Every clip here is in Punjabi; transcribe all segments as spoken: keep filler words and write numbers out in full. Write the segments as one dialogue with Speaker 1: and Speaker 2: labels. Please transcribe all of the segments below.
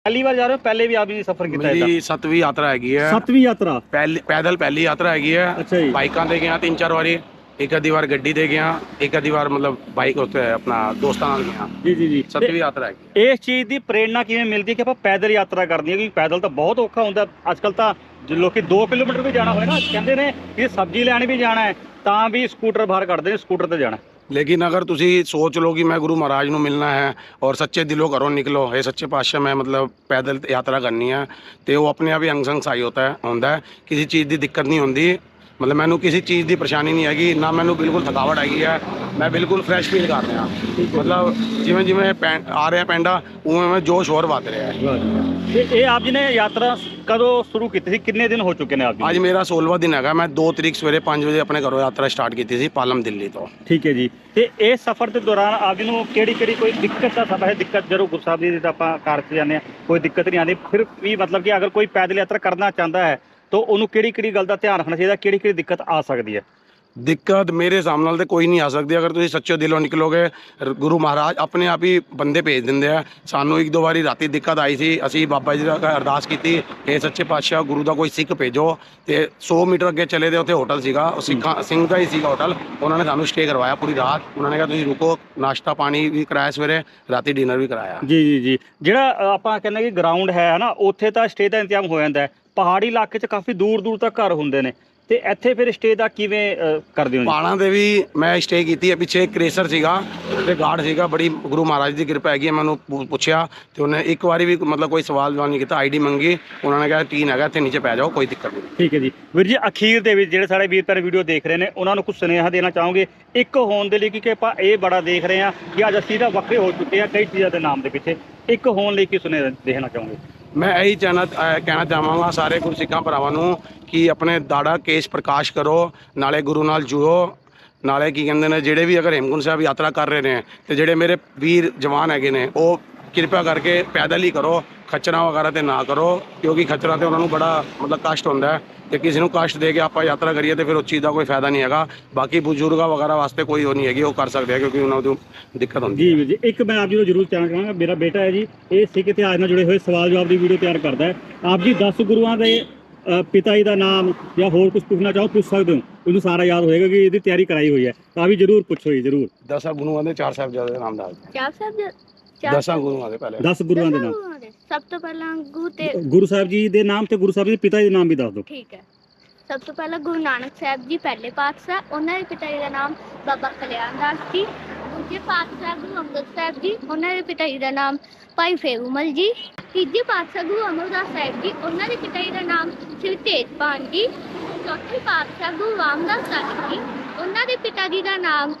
Speaker 1: पहली बार जा रहे हो? पहले भी आपने सफर किया है?
Speaker 2: मेरी सतवीं यात्रा हैगी है।
Speaker 1: सतवीं यात्रा
Speaker 2: पहली पैदल पहली यात्रा हैगी है।
Speaker 1: अच्छा जी।
Speaker 2: बाइकां ते गया तीन चार बारी, एक आधी बार गड्डी ते गया, एक आधी बार मतलब बाइक उत्ते अपना दोस्तां नाल गया।
Speaker 1: जी जी जी।
Speaker 2: सतवीं यात्रा हैगी।
Speaker 1: इस चीज़ की प्रेरणा किवें मिलती है कि ਆਪਾਂ पैदल यात्रा करनी है? क्योंकि पैदल तो बहुत औखा ਹੁੰਦਾ ਅੱਜਕੱਲ ਤਾਂ ਲੋਕੀ दो किलोमीटर भी जाना होए ना ਕਹਿੰਦੇ ਨੇ ਕਿ सब्जी ਲੈਣ भी जाना है ਤਾਂ भी स्कूटर बाहर ਕੱਢਦੇ ਨੇ स्कूटर ਤੇ ਜਾਣਾ।
Speaker 2: लेकिन अगर तुसी सोच लो कि मैं गुरु महाराज ਨੂੰ मिलना है और सच्चे दिलों घरों निकलो, ये सच्चे पातशाह मैं मतलब पैदल यात्रा करनी है, तो वो अपने आप ही अंग संग सही होता है होंदा है। किसी चीज़ की दिक्कत नहीं होंदी, मतलब मैनू किसी चीज़ की परेशानी नहीं हैगी, ना मैनू बिल्कुल थकावट हैगी है, मैं बिल्कुल फ्रैश फील कर रहा। मतलब जिमें जिमें आ रहा पेंडा उवें उवें जोश और वध रहा है।
Speaker 1: ये आप जी ने यात्रा कदों शुरू की थी? कितने दिन हो चुके हैं आप?
Speaker 2: आज मेरा सोलहवां दिन है। मैं दो तरीक सवेरे पाँच बजे अपने घरों यात्रा स्टार्ट की थी पालम दिल्ली तो।
Speaker 1: ठीक है जी। ਤੇ ਇਹ ਸਫ਼ਰ ਦੇ ਦੌਰਾਨ ਆਪ ਜੀ ਨੂੰ ਕਿਹੜੀ ਕਿਹੜੀ ਕੋਈ ਦਿੱਕਤ ਦਾ ਸਫ਼ਰ ਹੈ? ਦਿੱਕਤ ਜਦੋਂ ਗੁਰੂ ਸਾਹਿਬ ਜੀ ਦਾ ਆਪਾਂ ਕਾਰ 'ਚ ਜਾਂਦੇ ਹਾਂ ਕੋਈ ਦਿੱਕਤ ਨਹੀਂ ਆਉਂਦੀ, ਫਿਰ ਵੀ ਮਤਲਬ ਕਿ ਅਗਰ ਕੋਈ ਪੈਦਲ ਯਾਤਰਾ ਕਰਨਾ ਚਾਹੁੰਦਾ ਹੈ ਤਾਂ ਉਹਨੂੰ ਕਿਹੜੀ ਕਿਹੜੀ ਗੱਲ ਦਾ ਧਿਆਨ ਰੱਖਣਾ ਚਾਹੀਦਾ, ਕਿਹੜੀ ਕਿਹੜੀ ਦਿੱਕਤ ਆ ਸਕਦੀ ਹੈ?
Speaker 2: दिक्कत मेरे हिसाब नाल तो कोई नहीं आ सकती अगर तुम सच्चे दिलों निकलोगे। गुरु महाराज अपने आप ही बंदे भेज देंगे हैं। सानू एक दो बारी राती दिक्कत आई थी, असी बाबा जी का अरदास की थी कि सच्चे पातशाह गुरु का कोई सिख भेजो, तो सौ मीटर अगे चले थे, उत्थे होटल सीगा सिखा सिंह का ही सीगा होटल। उन्होंने सानू स्टे करवाया पूरी रात। उन्होंने कहा तुम रुको, नाश्ता पानी भी कराया सवेरे, राती डिनर भी कराया।
Speaker 1: जी जी जी। ਜਿਹੜਾ ਆਪਾਂ ਕਹਿੰਦੇ ਕਿ ਗਰਾਊਂਡ ਹੈ ਨਾ ਉੱਥੇ ਤਾਂ ਸਟੇ ਦਾ ਇੰਤਜ਼ਾਮ ਹੋ ਜਾਂਦਾ ਹੈ, ਪਹਾੜੀ ਇਲਾਕੇ 'ਚ ਕਾਫੀ ਦੂਰ ਦੂਰ ਤੱਕ ਘਰ ਹੁੰਦੇ ਨੇ, ਤੇ ਇੱਥੇ ਫਿਰ ਸਟੇ ਦਾ ਕਿਵੇਂ ਕਰਦੇ ਹੋ?
Speaker 2: ਪਹਾੜਾਂ ਦੇ ਵੀ ਮੈਂ ਸਟੇ ਕੀਤੀ ਹੈ। ਪਿੱਛੇ ਇੱਕ ਰੇਸਰ ਸੀਗਾ ਤੇ ਗਾਰਡ ਸੀਗਾ, ਬੜੀ ਗੁਰੂ ਮਹਾਰਾਜ ਦੀ ਕਿਰਪਾ ਹੈਗੀ ਹੈ। ਮੈਨੂੰ ਪੁੱਛਿਆ ਤੇ ਉਹਨੇ ਇੱਕ ਵਾਰੀ ਵੀ ਮਤਲਬ ਕੋਈ ਸਵਾਲ ਜਵਾਬ ਨਹੀਂ ਕੀਤਾ, ਆਈਡੀ ਮੰਗੀ, ਉਹਨਾਂ ਨੇ ਕਿਹਾ ਟੀਨ ਹੈਗਾ ਇੱਥੇ ਨੀਚੇ ਪੈ ਜਾਓ, ਕੋਈ ਦਿੱਕਤ ਨਹੀਂ।
Speaker 1: ਠੀਕ ਹੈ ਜੀ। ਵੀਰ ਜੀ ਅਖੀਰ ਦੇ ਵਿੱਚ ਜਿਹੜੇ ਸਾਡੇ ਵੀਰ ਭੈਣ ਵੀਡੀਓ ਦੇਖ ਰਹੇ ਨੇ ਉਹਨਾਂ ਨੂੰ ਕੁਝ ਸੁਨੇਹਾ ਦੇਣਾ ਚਾਹੋਗੇ ਇੱਕ ਹੋਣ ਦੇ ਲਈ, ਕਿਉਂਕਿ ਆਪਾਂ ਇਹ ਬੜਾ ਦੇਖ ਰਹੇ ਹਾਂ ਕਿ ਅੱਜ ਅਸੀਂ ਤਾਂ ਵੱਖਰੇ ਹੋ ਚੁੱਕੇ ਹਾਂ ਕਈ ਚੀਜ਼ਾਂ ਦੇ ਨਾਮ ਦੇ ਪਿੱਛੇ, ਇੱਕ ਹੋਣ ਲਈ ਕੀ ਸੁਨੇਹਾ ਦੇਣਾ ਚਾਹੋਗੇ?
Speaker 2: मैं यही चाहना कहना चाहवागा सारे गुरसिखा भरावां नूं कि अपने दाड़ा केस प्रकाश करो, नाले गुरु नाल जुड़ो, नाले की कहंदे ने ਜਿਹੜੇ भी अगर हेमकुंड साहब यात्रा कर रहे हैं तो ਜਿਹੜੇ मेरे वीर जवान हैगे ने वो कृपा करके पैदल ही करो, खच्चरां वगैरह ते ना करो, क्योंकि खच्चरां ते उन्होंने बड़ा मतलब कष्ट होंदा है ਤੇ ਕਿਸੇ ਨੂੰ ਕਸ਼ਟ ਦੇ ਕੇ ਆਪਾਂ ਯਾਤਰਾ ਕਰੀਏ ਤੇ ਫਿਰ ਉਸ ਚੀਜ਼ ਦਾ ਕੋਈ ਫਾਇਦਾ ਨਹੀਂ ਹੈਗਾ। ਬਾਕੀ ਬਜ਼ੁਰਗਾਂ ਵਗੈਰਾ ਵਾਸਤੇ ਕੋਈ ਉਹ ਨਹੀਂ ਹੈਗੀ, ਉਹ ਕਰ ਸਕਦੇ ਆ ਕਿਉਂਕਿ ਉਹਨਾਂ ਨੂੰ ਦਿੱਕਤ ਹੁੰਦੀ
Speaker 1: ਜੀ ਜੀ। ਇੱਕ ਮੈਂ ਆਪ ਜੀ ਨੂੰ ਜ਼ਰੂਰ ਕਹਿਣਾ ਚਾਹਾਂਗਾ, ਮੇਰਾ ਬੇਟਾ ਹੈ ਜੀ, ਇਹ ਸਿੱਖ ਇਤਿਹਾਸ ਨਾਲ ਜੁੜੇ ਹੋਏ ਸਵਾਲ ਜਵਾਬ ਦੀ ਵੀਡੀਓ ਤਿਆਰ ਕਰਦਾ ਹੈ। ਆਪ ਜੀ ਦਸ ਗੁਰੂਆਂ ਦੇ ਪਿਤਾ ਜੀ ਦਾ ਨਾਮ ਜਾਂ ਹੋਰ ਕੁਝ ਪੁੱਛਣਾ ਚਾਹੋ ਪੁੱਛ ਸਕਦੇ ਹੋ, ਉਹਨੂੰ ਸਾਰਾ ਯਾਦ ਹੋਏਗਾ ਕਿ ਇਹਦੀ ਤਿਆਰੀ ਕਰਾਈ ਹੋਈ ਹੈ, ਤਾਂ ਵੀ ਜ਼ਰੂਰ ਪੁੱਛੋ ਜੀ ਜ਼ਰੂਰ।
Speaker 2: ਦਸਾਂ ਗੁਰੂਆਂ ਦੇ ਚਾਰ ਸਾਹਿਬਜ਼ਾਦੇ ਦੇ ਨਾਮ ਦੱਸ ਦਿਓ।
Speaker 3: ਚਾਰ ਸਾਹਿਬ
Speaker 2: ਦਸਾਂ ਗੁਰੂਆਂ ਦੇ ਪਹਿਲੇ
Speaker 1: ਦਸ ਗੁਰੂਆਂ ਦੇ ਨਾਮ।
Speaker 3: ਸਭ ਤੋਂ ਪਹਿਲਾਂ ਗੁਰੂ ਤੇ
Speaker 1: ਗੁਰੂ ਸਾਹਿਬ ਜੀ ਦੇ ਨਾਮ ਤੇ ਗੁਰੂ ਸਾਹਿਬ ਜੀ ਦੇ ਪਿਤਾ ਜੀ ਦੇ ਨਾਮ ਵੀ ਦੱਸ ਦਿਓ।
Speaker 3: ਠੀਕ ਹੈ। ਸਭ ਤੋਂ ਪਹਿਲਾਂ ਗੁਰੂ ਨਾਨਕ ਸਾਹਿਬ ਜੀ ਪਹਿਲੇ ਪਾਤਸ਼ਾਹ, ਉਹਨਾਂ ਦੇ ਪਿਤਾ ਜੀ ਦਾ ਨਾਮ ਬਾਬਾ ਕਲਿਆਣ ਦਾਸ ਜੀ। ਦੂਜੇ ਪਾਤਸ਼ਾਹ ਗੁਰੂ ਅੰਗਦ ਸਾਹਿਬ ਜੀ, ਉਹਨਾਂ ਦੇ ਪਿਤਾ ਜੀ ਦਾ ਨਾਮ ਭਾਈ ਫੇਰੂਮਲ ਜੀ। ਤੀਜੇ ਪਾਤਸ਼ਾਹ ਗੁਰੂ ਅਮਰਦਾਸ ਸਾਹਿਬ ਜੀ, ਉਹਨਾਂ ਦੇ ਪਿਤਾ ਜੀ ਦਾ ਨਾਮ ਸ੍ਰੀ ਤੇਜਪਾਲ ਜੀ। ਚੌਥੇ ਪਾਤਸ਼ਾਹ ਗੁਰੂ ਰਾਮਦਾਸ ਸਾਹਿਬ ਜੀ, ਉਹਨਾਂ ਦੇ ਪਿਤਾ ਜੀ ਦਾ ਨਾਮ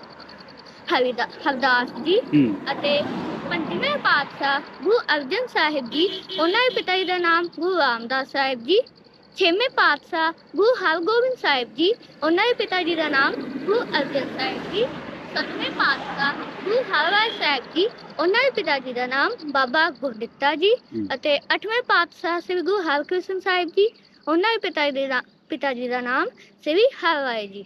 Speaker 3: ਹਰਿਦਾ ਹਰਦਾਸ ਜੀ। ਅਤੇ ਪੰਜਵੇਂ ਪਾਤਸ਼ਾਹ ਗੁਰੂ ਅਰਜਨ ਸਾਹਿਬ ਜੀ, ਉਹਨਾਂ ਦੇ ਪਿਤਾ ਜੀ ਦਾ ਨਾਮ ਗੁਰੂ ਰਾਮਦਾਸ ਸਾਹਿਬ ਜੀ। ਛੇਵੇਂ ਪਾਤਸ਼ਾਹ ਗੁਰੂ ਹਰਗੋਬਿੰਦ ਸਾਹਿਬ ਜੀ, ਉਹਨਾਂ ਦੇ ਪਿਤਾ ਜੀ ਦਾ ਨਾਮ ਗੁਰੂ ਅਰਜਨ ਸਾਹਿਬ ਜੀ। ਸੱਤਵੇਂ ਪਾਤਸ਼ਾਹ ਗੁਰੂ ਹਰਰਾਏ ਸਾਹਿਬ ਜੀ, ਉਹਨਾਂ ਦੇ ਪਿਤਾ ਜੀ ਦਾ ਨਾਮ ਬਾਬਾ ਗੁਰਦਿੱਤਾ ਜੀ। ਅਤੇ ਅੱਠਵੇਂ ਪਾਤਸ਼ਾਹ ਸ੍ਰੀ ਗੁਰੂ ਹਰਕ੍ਰਿਸ਼ਨ ਸਾਹਿਬ ਜੀ, ਉਹਨਾਂ ਦੇ ਪਿਤਾ ਜੀ ਦਾ ਪਿਤਾ ਜੀ ਦਾ ਨਾਮ ਸ੍ਰੀ ਹਰਰਾਏ ਜੀ।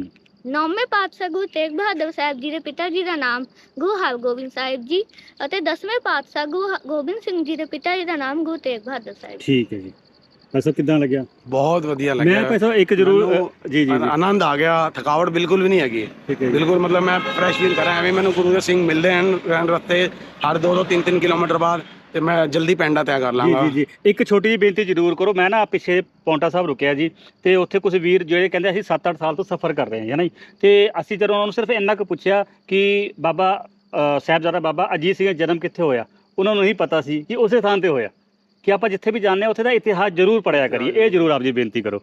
Speaker 3: ਨੌਵੇਂ ਪਾਤਸ਼ਾਹ ਗੁਰੂ ਤੇਗ ਬਹਾਦਰ ਸਾਹਿਬ ਜੀ ਦੇ ਪਿਤਾ ਜੀ ਦਾ ਨਾਮ ਗੁਰੂ ਹਰਗੋਬਿੰਦ ਸਾਹਿਬ ਜੀ। ਅਤੇ ਦਸਵੇਂ ਪਾਤਸ਼ਾਹ ਗੁਰੂ ਗੋਬਿੰਦ ਸਿੰਘ ਜੀ ਦੇ ਪਿਤਾ ਜੀ ਦਾ ਨਾਮ ਗੁਰੂ ਤੇਗ ਬਹਾਦਰ ਸਾਹਿਬ।
Speaker 1: ਠੀਕ ਹੈ ਜੀ। ਪੈਸਾ ਕਿੱਦਾਂ ਲੱਗਿਆ?
Speaker 2: ਬਹੁਤ ਵਧੀਆ ਲੱਗਿਆ।
Speaker 1: ਮੈਂ ਪੈਸਾ ਇੱਕ ਜ਼ਰੂਰ ਜੀ ਜੀ
Speaker 2: ਆਨੰਦ ਆ ਗਿਆ, ਥਕਾਵਟ ਬਿਲਕੁਲ ਵੀ ਨਹੀਂ ਹੈਗੀ ਬਿਲਕੁਲ। मतलब मैं फ्रैश फील कर रहा ਐਵੇਂ ਮੈਨੂੰ ਗੁਰੂ ਦੇ ਸਿੰਘ ਮਿਲਦੇ ਹਨ ਰਸਤੇ ਹਰ ਦੋ ਦੋ ਤਿੰਨ ਤਿੰਨ ਕਿਲੋਮੀਟਰ ਬਾਅਦ, ਤੇ ਮੈਂ ਜਲਦੀ ਪੈਂਡਾ ਤੈਅ ਕਰ ਲਾਂਗਾ।
Speaker 1: ਜੀ ਜੀ। ਇੱਕ ਛੋਟੀ ਜਿਹੀ ਬੇਨਤੀ ਜ਼ਰੂਰ ਕਰੋ। ਮੈਂ ਨਾ ਪਿੱਛੇ ਪੌਂਟਾ ਸਾਹਿਬ ਰੁਕਿਆ ਜੀ, ਤੇ ਉੱਥੇ ਕੁਝ ਵੀਰ ਜਿਹੜੇ ਕਹਿੰਦੇ ਅਸੀਂ ਸੱਤ ਅੱਠ ਸਾਲ ਤੋਂ ਸਫ਼ਰ ਕਰ ਰਹੇ ਹਾਂ ਹੈ ਨਾ ਜੀ, ਤੇ ਅਸੀਂ ਜਦੋਂ ਉਹਨਾਂ ਨੂੰ ਸਿਰਫ ਇੰਨਾ ਕੁ ਪੁੱਛਿਆ ਕਿ ਬਾਬਾ ਸਾਹਿਬਜ਼ਾਦਾ ਬਾਬਾ ਅਜੀਤ ਸਿੰਘ ਦਾ ਜਨਮ ਕਿੱਥੇ ਹੋਇਆ, ਉਹਨਾਂ ਨੂੰ ਨਹੀਂ ਪਤਾ ਸੀ ਕਿ ਉਸੇ ਥਾਂ ਤੇ ਹੋਇਆ, ਕਿ ਆਪਾਂ ਜਿੱਥੇ ਵੀ ਜਾਂਦੇ ਹਾਂ ਉੱਥੇ ਦਾ ਇਤਿਹਾਸ ਜ਼ਰੂਰ ਪੜ੍ਹਿਆ ਕਰੀਏ। ਇਹ ਜ਼ਰੂਰ ਆਪ ਜੀ ਬੇਨਤੀ ਕਰੋ।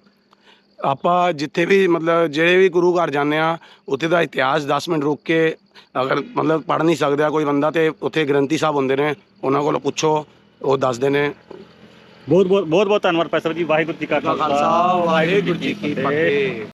Speaker 2: ਆਪਾਂ ਜਿੱਥੇ ਵੀ ਮਤਲਬ ਜਿਹੜੇ ਵੀ ਗੁਰੂ ਘਰ ਜਾਂਦੇ ਆ ਉੱਥੇ ਦਾ ਇਤਿਹਾਸ ਦਸ ਮਿੰਟ ਰੁਕ ਕੇ ਅਗਰ ਮਤਲਬ ਪੜ੍ਹ ਨਹੀਂ ਸਕਦਾ ਕੋਈ ਬੰਦਾ, ਤੇ ਉੱਥੇ ਗ੍ਰੰਥੀ ਸਾਹਿਬ ਹੁੰਦੇ ਨੇ, ਉਹਨਾਂ ਕੋਲ ਪੁੱਛੋ, ਉਹ ਦੱਸਦੇ ਨੇ।
Speaker 1: ਬਹੁਤ ਬਹੁਤ ਬਹੁਤ ਬਹੁਤ ਧੰਨਵਾਦ ਭਾਈ ਸਾਹਿਬ ਜੀ। ਵਾਹਿਗੁਰੂ ਜੀ ਕਾ ਖਾਲਸਾ
Speaker 2: ਵਾਹਿਗੁਰੂ ਜੀ ਕੀ ਫਤਿਹ।